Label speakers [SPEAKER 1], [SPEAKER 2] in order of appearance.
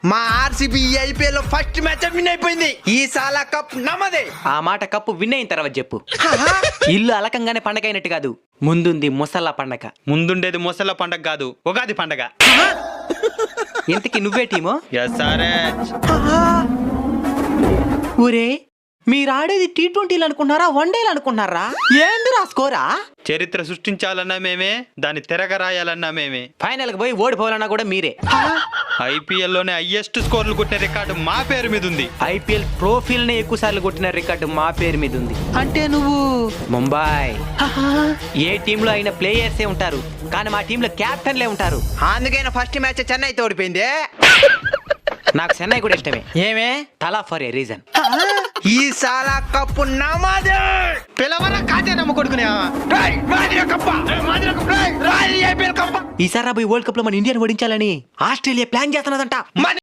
[SPEAKER 1] మా RCB IPL లో first match win అయిపోయింది. ఈ సాలా కప్ నమ్మదే.
[SPEAKER 2] ఆ మాట కప్పు విన్ అయిన తర్వాత చెప్పు. ఇల్లు అలకంగానే పండగ అయినట్టు కాదు, ముందుంది ముసల్లా పండగ.
[SPEAKER 3] ముందుండేది ముసళ్ళ పండగ కాదు, ఉగాది పండగ.
[SPEAKER 2] ఇంతకి నువ్వే టీమో?
[SPEAKER 3] SRH.
[SPEAKER 2] ఊరే, మీరు ఆడేది T20 అనుకుంటున్నారా, వన్డేలు అనుకుంటున్నారా? ఏంది రాసుకోరా?
[SPEAKER 3] చరిత్ర సృష్టించాలన్నా మేమే, దాన్ని తిరగ రాయాలన్నా మేమే.
[SPEAKER 2] ఫైనల్ కి పోయి ఓడిపోవాలన్నా కూడా మీరే.
[SPEAKER 3] ఐపీఎల్ లోనే హైయెస్ట్ స్కోర్లు కొట్టిన రికార్డు మా పేరు మీద ఉంది.
[SPEAKER 2] ఐపీఎల్ ట్రోఫీల్ నే ఎక్కువ సార్లు కొట్టిన రికార్డు మా పేరు మీద ఉంది. అంటే నువ్వు ముంబై. ఏ టీమ్ లో అయినా ప్లేయర్సే ఉంటారు, కానీ మా టీంలో క్యాప్టెన్లే ఉంటారు.
[SPEAKER 1] అందుకైనా ఫస్ట్ మ్యాచ్ చెన్నైతో ఓడిపోయింది.
[SPEAKER 2] నాకు చెన్నై కూడా ఇష్టమే. ఏమే? తలా ఫర్ ఏ రీజన్.
[SPEAKER 1] ఈ సాలా కప్ నమ్మదే.
[SPEAKER 3] పిలవరా కాజా నమ్మ కొడుకునే.
[SPEAKER 2] ఈసారి రాబోయే వరల్డ్ కప్ లో మన ఇండియాని ఓడించాలని ఆస్ట్రేలియా ప్లాన్ చేస్తున్నదంట.